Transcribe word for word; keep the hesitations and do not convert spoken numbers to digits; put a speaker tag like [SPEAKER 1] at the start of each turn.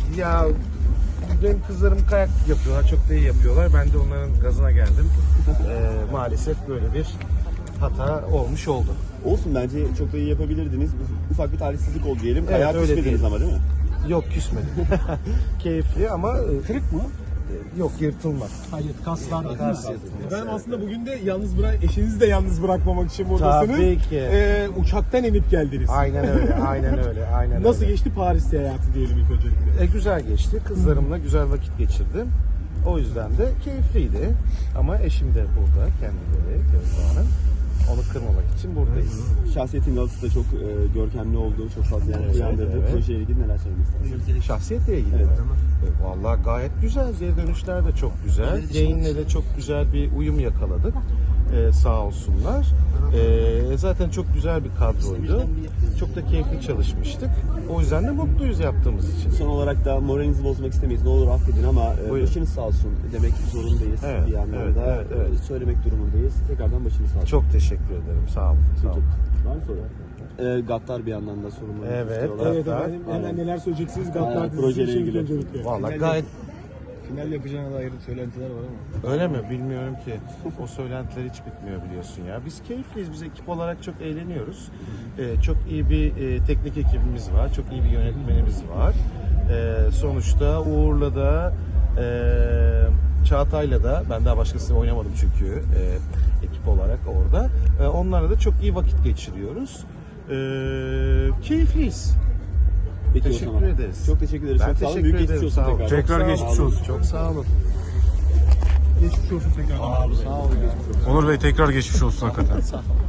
[SPEAKER 1] Ya benim kızlarım kayak yapıyorlar, çok da iyi yapıyorlar. Ben de onların gazına geldim. Ee, maalesef böyle bir hata olmuş oldu.
[SPEAKER 2] Olsun, bence çok da iyi yapabilirdiniz. Ufak bir talihsizlik oldu diyelim.
[SPEAKER 1] Evet,
[SPEAKER 2] Kayağa
[SPEAKER 1] öyle
[SPEAKER 2] küsmediniz
[SPEAKER 1] diyelim.
[SPEAKER 2] ama değil mi?
[SPEAKER 1] Yok, küsmedim. Keyifli ama e,
[SPEAKER 3] Kırık mı?
[SPEAKER 1] yok, yırtılma.
[SPEAKER 3] Hayır, kaslar.
[SPEAKER 1] Kas yırtılması.
[SPEAKER 4] Ben aslında bugün de yalnız bırak, eşinizi de yalnız bırakmamak için buradasınız.
[SPEAKER 1] Tabii ki.
[SPEAKER 4] Ee, uçaktan inip geldiniz.
[SPEAKER 1] Aynen öyle, aynen öyle, aynen
[SPEAKER 4] Nasıl
[SPEAKER 1] öyle.
[SPEAKER 4] geçti Paris hayatı diyelim ilk öncelikle?
[SPEAKER 1] E, güzel geçti. Kızlarımla güzel vakit geçirdim. O yüzden de keyifliydi. Ama eşim de burada, kendileri, Gözde Hanım. Onu kırmamak için buradayız.
[SPEAKER 2] Şahsiyetin Galatasaray'da da çok e, görkemli oldu. Çok fazla yankı
[SPEAKER 1] Evet,
[SPEAKER 2] uyandırdı.
[SPEAKER 1] evet.
[SPEAKER 2] Projeyle ilgili neler söylemek istersiniz?
[SPEAKER 1] Şahsiyetle ilgili
[SPEAKER 2] Evet.
[SPEAKER 1] mi? E, Vallahi gayet güzel. Geri dönüşler de çok güzel. Gain'le de çok güzel bir uyum yakaladık. E, sağ olsunlar. E, zaten çok güzel bir kadroydu. Çok da keyifli çalışmıştık. O yüzden de mutluyuz yaptığımız için.
[SPEAKER 2] Son olarak da moralinizi bozmak istemeyiz. Ne olur affedin ama e,
[SPEAKER 1] Buyurun.
[SPEAKER 2] başınız sağ olsun demek zorundayız.
[SPEAKER 1] Evet,
[SPEAKER 2] bir yandan
[SPEAKER 1] evet,
[SPEAKER 2] da
[SPEAKER 1] evet, evet.
[SPEAKER 2] e, söylemek durumundayız. Tekrardan başınız sağ olsun.
[SPEAKER 1] Çok teşekkür ederim. Sağ olun. Sağ olun.
[SPEAKER 2] Var mı soru? E, Gattar bir yandan da sorumlu
[SPEAKER 1] Evet,
[SPEAKER 2] istiyorlar.
[SPEAKER 4] Evet
[SPEAKER 1] Gaddar.
[SPEAKER 4] efendim, hemen neler söyleyeceksiniz
[SPEAKER 2] Aynen,
[SPEAKER 4] Gaddar dizisi
[SPEAKER 2] projeyle
[SPEAKER 4] için
[SPEAKER 2] ilgili.
[SPEAKER 4] ilk öncelikle.
[SPEAKER 1] Vallahi gayet
[SPEAKER 3] Final yapacağına dair söylentiler var ama.
[SPEAKER 1] öyle mi? Bilmiyorum ki. O söylentiler hiç bitmiyor biliyorsun ya. Biz keyifliyiz. Biz ekip olarak çok eğleniyoruz. Ee, çok iyi bir e, teknik ekibimiz var. Çok iyi bir yönetmenimiz var. Ee, sonuçta Uğur'la da e, Çağatay'la da, ben daha başkasıyla oynamadım çünkü e, ekip olarak orada. E, onlarla da çok iyi vakit geçiriyoruz. E, keyifliyiz.
[SPEAKER 2] Peki, o
[SPEAKER 1] Teşekkür
[SPEAKER 2] zaman.
[SPEAKER 1] ederiz.
[SPEAKER 2] Çok teşekkür ederiz.
[SPEAKER 1] Ben
[SPEAKER 2] çok sağ olun.
[SPEAKER 1] teşekkür
[SPEAKER 2] Büyük
[SPEAKER 1] ederim.
[SPEAKER 2] geçmiş olsun
[SPEAKER 1] Sağ olun.
[SPEAKER 2] tekrar.
[SPEAKER 1] Çok
[SPEAKER 3] Tekrar
[SPEAKER 1] sağ
[SPEAKER 3] geçmiş
[SPEAKER 1] olun.
[SPEAKER 3] olsun.
[SPEAKER 1] Çok sağ olun.
[SPEAKER 4] Geçmiş olsun tekrar.
[SPEAKER 3] Onur Bey tekrar geçmiş olsun hakikaten.